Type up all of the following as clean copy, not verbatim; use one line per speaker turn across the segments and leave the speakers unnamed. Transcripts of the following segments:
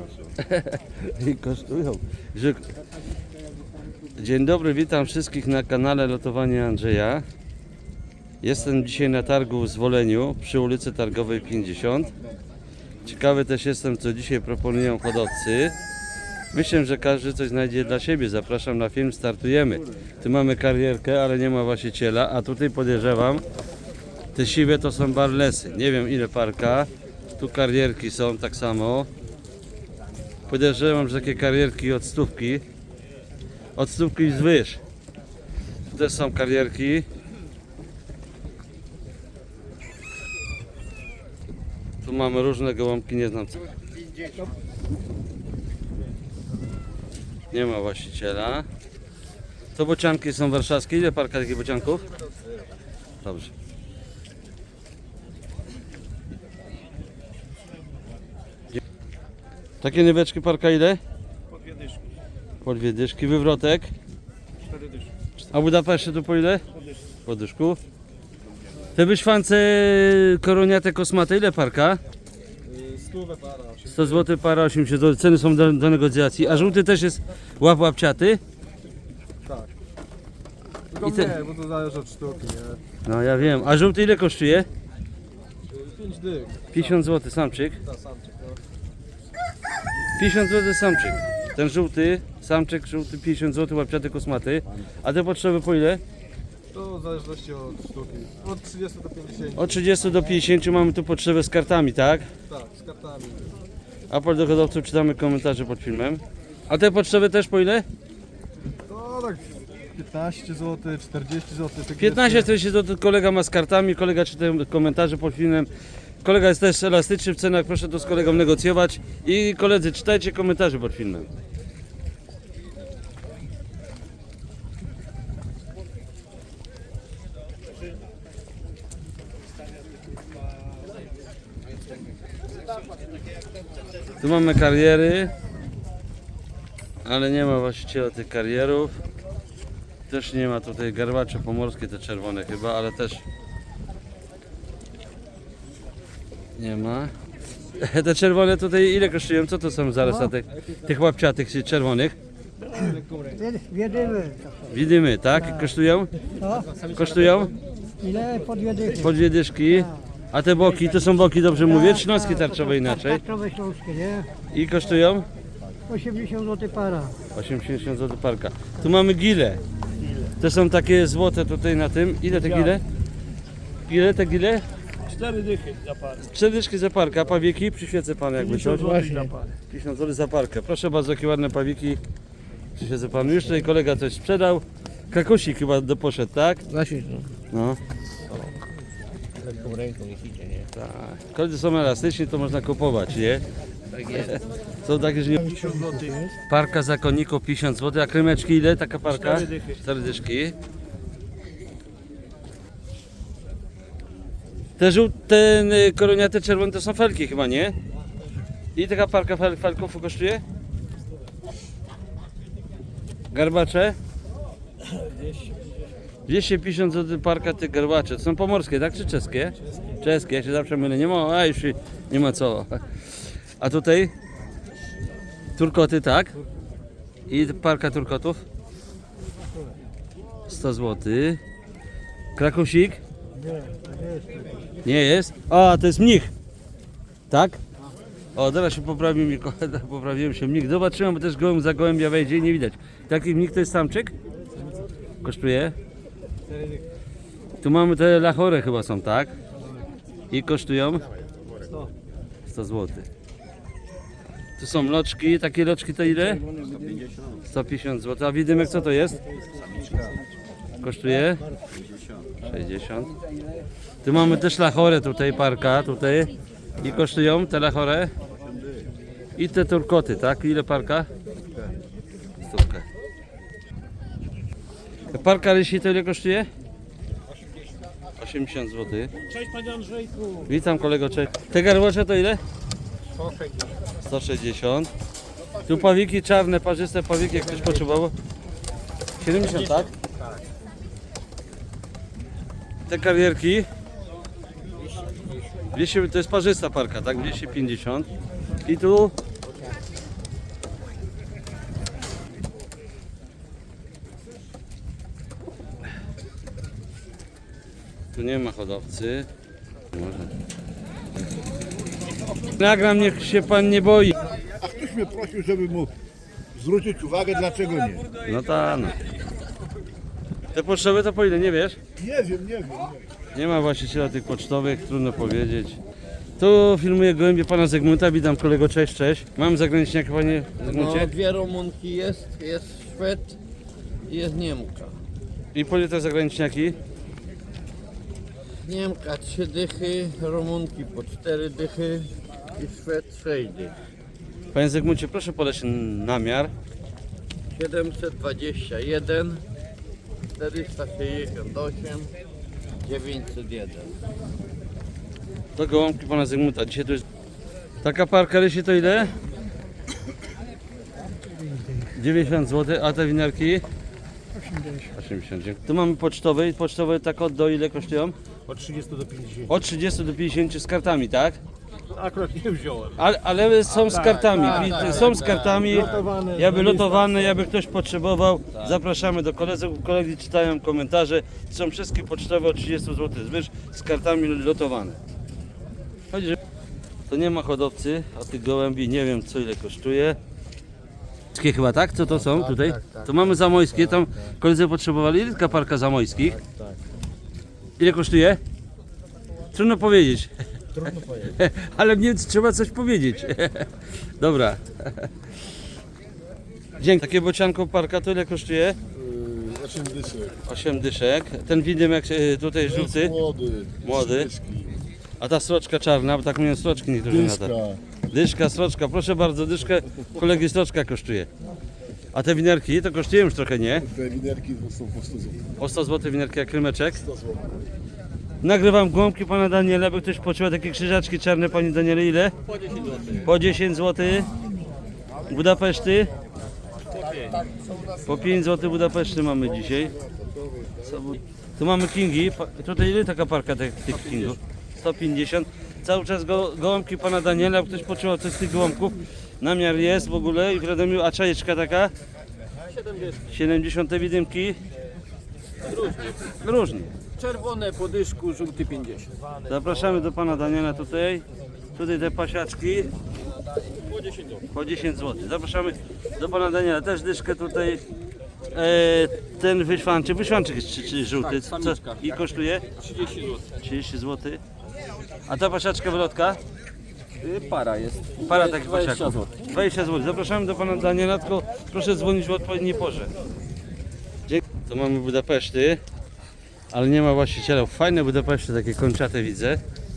I kosztują. Dzień dobry, witam wszystkich na kanale Lotowanie Andrzeja. Jestem dzisiaj na targu w Zwoleniu przy ulicy Targowej 50. Ciekawy też jestem, co dzisiaj proponują hodowcy. Myślę, że każdy coś znajdzie dla siebie. Zapraszam na film, startujemy. Tu mamy karierkę, ale nie ma właściciela, a tutaj podejrzewam, te siwe to są barlesy. Nie wiem ile parka. Tu karierki są tak samo. Podejrzewam, że takie karierki od stówki. Od stówki i zwyż. Tu też są karierki. Tu mamy różne gołąbki, nie znam co. Nie ma właściciela. To bocianki są warszawskie. Ile parka takich bocianków? Dobrze. Takie nyweczki parka ile?
Po 2 dyszki.
Po 2 dyszki. Wywrotek?
4 dyszki.
A Budapeszty to po ile?
Po dyszki.
Po dyszku. Te wyszwance koroniate kosmate ile parka?
100 para.
100 zł para, 80 zł. Ceny są do negocjacji. A żółty też jest łapciaty?
Tak. Tylko
I te-
nie, bo to zależy od sztuki, nie?
No ja wiem. A żółty ile kosztuje?
5 dych.
50 zł samczyk.
Ta samczyk, no.
50 zł samczyk. Ten żółty, samczyk żółty 50 zł, łapciaty kosmaty. A te potrzeby po ile?
To w zależności od sztuki. Od 30 do 50.
Od 30 do 50 mamy tu potrzebę z kartami, tak?
Tak, z kartami.
Apel do hodowców, czytamy komentarze pod filmem. A te potrzeby też po ile?
To tak 15 zł, 40 zł.
15-40 zł kolega ma z kartami, kolega czyta komentarze pod filmem. Kolega jest też elastyczny w cenach, proszę to z kolegą negocjować. I koledzy, czytajcie komentarze pod filmem. Tu mamy kariery, ale nie ma właściciela tych karierów. Też nie ma tutaj garbacze pomorskie, te czerwone chyba, ale też nie ma. Te czerwone tutaj ile kosztują? Co to są zaraz na tych łapciatych czerwonych?
Wiedymy.
Widzimy, tak? Kosztują?
No,
Kosztują?
ile po 2 dychy?
Po 2 dyszki. A te boki, to są boki, dobrze mówię? Śląskie tarczowe inaczej.
Tarczowe śląskie, nie?
I kosztują?
80 zł para.
80 zł parka. Tu mamy gile. To są takie złote tutaj na tym. Ile te gile? Ile te gile?
4 dychy za parę.
4 dyszki za parkę, a pawieki? Przyświecę pan jakby coś.
za parę.
50 zł za parkę. Proszę bardzo, jakie ładne pawiki. Przyświecę panu. Już tutaj kolega coś sprzedał. Krakusik chyba poszedł, tak?
Właśnie,
No.
lekką ręką niech idzie, nie?
Tak. Koledzy są elastyczni, to można kupować, nie?
Tak jest.
Są takie, że nie...
50 zł.
Parka zakonników 50 zł, a krymeczki ile? Taka parka?
4 dychy.
4 dyszki. Te koroniate czerwone to są felki chyba, nie? I taka parka felków kosztuje? Garbacze? 250 zł parka tych garbacze. To są pomorskie, tak? Czy czeskie? Czeskie, ja się zawsze mylę. Nie ma, a już nie ma co. A tutaj? Turkoty, tak? I parka turkotów? 100 zł. Krakusik? Nie jest? A, to jest mnich. Tak? O, teraz się poprawił mi, poprawiłem się mnich. Zobaczyłem, bo też gołęb za gołębia wejdzie i nie widać. Taki mnich to jest samczyk? Kosztuje? Tu mamy te lachory chyba są, tak? I kosztują? 100 zł. Tu są loczki, takie loczki to ile? 150 zł. A widymek co to jest? Kosztuje? 60. Tu mamy też lachorę tutaj, parka tutaj. I kosztują te lachore? I te turkoty, tak? Ile parka? Stówkę. Parka rysi to ile kosztuje? 80 zł.
Cześć panie Andrzejku.
Witam kolego, cześć. Te garbacze to ile? 160. Tu pawiki czarne, parzyste pawiki, jak ktoś potrzebował. 70, tak? Te karierki 200, to jest parzysta parka, tak? 250. I tu Tu nie ma hodowcy. Może. Nagram, niech się pan nie boi.
A ktoś mnie prosił, żeby mu zwrócić uwagę, dlaczego nie.
No tak. No. Te pocztowe to po ile, nie wiesz?
Nie wiem, nie wiem.
Nie ma właściciela tych pocztowych, trudno powiedzieć. Tu filmuję gołębie pana Zygmunta, witam kolego, cześć, cześć. Mam zagraniczniaka, panie Zygmuncie?
No, dwie Rumunki jest Szwed i jest Niemka.
I po ile te zagraniczniaki?
Niemka 3 dychy, Rumunki po 4 dychy i Szwed 6 dych.
Panie Zygmuncie, proszę podać namiar.
721, 468, 901.
To gołąbki pana Zygmunta. Dzisiaj to jest... Taka parka rysi to ile? 90 zł, a te winiarki? 80. Tu mamy pocztowe i pocztowe tak od do ile kosztują?
Od 30 do 50.
Od 30 do 50 z kartami, tak?
Akurat nie wziąłem.
Ale są z kartami, są z kartami,
Lotowane,
jakby lotowane, jakby ktoś potrzebował, zapraszamy do kolegi czytają komentarze, są wszystkie pocztowe o 30 zł zwyż z kartami lotowane. Chodzi, że to nie ma hodowcy, a tych gołębi nie wiem co ile kosztuje. Wszystkie chyba tak? Co to są tutaj? To mamy zamojskie, tam koledzy potrzebowali, ile taka parka zamojskich? Ile kosztuje? Trudno powiedzieć. Ale w Niemcy trzeba coś powiedzieć. Dobra. Dzięki. Takie bocianko parka to ile kosztuje?
8 dysek.
8 dyszek. Ten widym jak tutaj żółty, młody. A ta sroczka czarna, bo tak mówią sroczki niektórzy na to. Dyszka, sroczka, proszę bardzo, dyszkę kolegi sroczka kosztuje. A te winerki to kosztują już trochę, nie?
Te winerki są po 100 zł.
Po 100 zł winerki jak krymeczek.
100 zł.
Nagrywam głąbki pana Daniela, by ktoś poczuł takie krzyżaczki czarne, panie Daniele, ile? Po 10 zł. Po 10 zł. Budapeszty? Po 5 zł Budapeszty mamy dzisiaj. Tu mamy kingi. Tutaj ile taka parka tych kingów? 150. Cały czas gołąbki pana Daniela, ktoś poczuł coś z tych gołąbków. Namiar jest w ogóle i w Radomiu, a czajeczka taka? 70 widymki? Różnie.
Czerwone po dyszku, żółty 50.
Zapraszamy do pana Daniela tutaj. Tutaj te pasiaczki. Po 10 zł. Zapraszamy do pana Daniela. Też dyszkę tutaj. Ten wyszwanczyk jest czy żółty.
Tak,
Co?
samiczka.
I kosztuje?
30 zł.
30 zł. A ta pasiaczka wylotka?
Para jest.
Para takich
20
pasiaków.
zł.
20 zł. Zapraszamy do pana Daniela, tylko proszę dzwonić w odpowiedniej porze. Dzięki. Tu mamy Budapeszty, ale nie ma właściciela. Fajne Budapeszty, takie kończate widzę.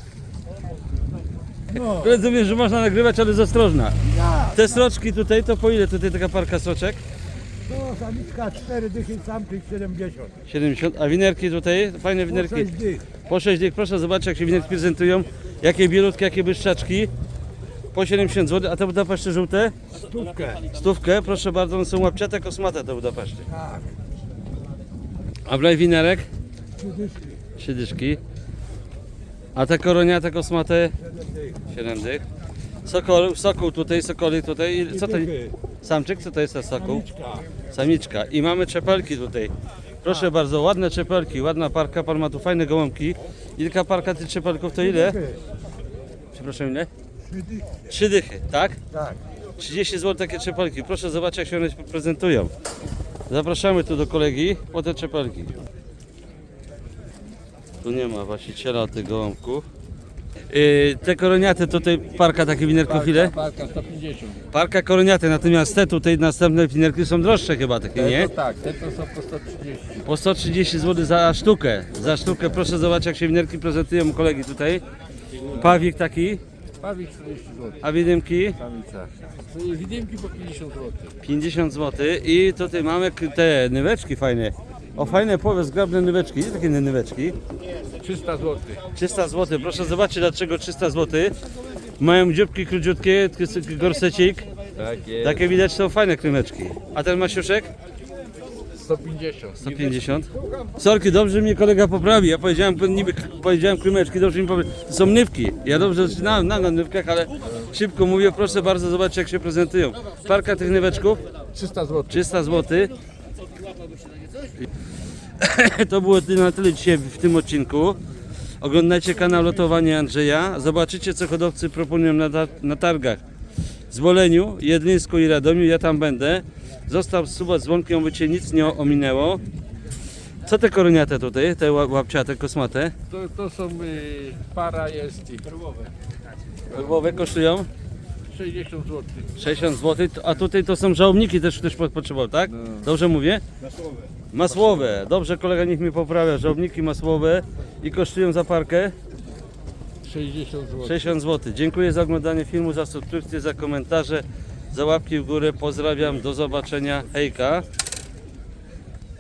Koledzy mówią, że można nagrywać, ale jest ostrożna. Te sroczki tutaj, to po ile tutaj taka parka sroczek?
No, samiczka 4 dychy, samczyk 70.
70. A winerki tutaj? Fajne winerki.
6 dych.
Po 6 dych. Proszę zobaczyć, jak się winerki prezentują. Jakie bielutkie, jakie błyszczaczki. Po 70 zł. A te Budapeszty żółte?
Stówkę.
Stówkę. Proszę bardzo, one są łapciate, kosmate te Budapeszty.
Tak.
A wlej winerek?
3 dyszki.
3 dyszki. A te koroniate, kosmate? 7 dych. Sokół tutaj, sokolik tutaj. I co to? Samczyk? Co to jest ten sokół? Samiczka. I mamy czepelki tutaj. Proszę bardzo, ładne czepelki, ładna parka. Pan ma tu fajne gołąbki. Ilka parka tych czepelków to ile? Przepraszam, ile?
3 dychy.
3 dychy, tak?
Tak.
30 zł takie czepelki. Proszę zobaczyć, jak się one prezentują. Zapraszamy tu do kolegi po te czepelki. Tu nie ma właściciela tych gołąbków. Te koroniaty tutaj parka takie winerków ile?
Parka 150.
Parka koroniaty, natomiast te tutaj następne winerki są droższe chyba takie, nie?
To tak, te to są po 130.
Po 130 zł za sztukę. Za sztukę proszę zobaczyć, jak się winerki prezentują u kolegi tutaj. Pawik taki,
Pawik 40 zł.
a widymki
Samica. Widymki po 50 zł.
50 zł. I tutaj mamy te nyweczki fajne. O, fajne, powiedz, zgrabne nyweczki. Gdzie takie nyweczki?
300 zł.
300 zł. Proszę zobaczyć, dlaczego 300 zł. Mają dzióbki króciutkie, gorsecik.
Tak jest.
Takie widać, są fajne krymeczki. A ten masiuszek?
150.
150. Sorki, dobrze mnie kolega poprawi. Ja powiedziałem krymeczki, dobrze mi powie. To są nywki. Ja dobrze znam na nywkach, ale szybko mówię. Proszę bardzo, zobaczcie, jak się prezentują. Parka tych nyweczków?
300 zł.
300 zł. To było na tyle dzisiaj w tym odcinku. Oglądajcie kanał Lotowanie Andrzeja. Zobaczycie, co hodowcy proponują na targach w Zwoleniu, Jedlińsku i Radomiu. Ja tam będę. Zostaw suba z dzwonkiem, by cię nic nie ominęło. Co te koroniate tutaj, te łapciate, kosmate?
To są para jest i perłowe.
Perłowe kosztują
60 zł.
60 zł, a tutaj to są żałobniki, też ktoś potrzebował, tak? Dobrze mówię? Masłowe. Dobrze, kolega niech mi poprawia. Żałobniki masłowe i kosztują za parkę
60 zł.
60 zł. Dziękuję za oglądanie filmu, za subskrypcję, za komentarze, za łapki w górę. Pozdrawiam, do zobaczenia. Hejka.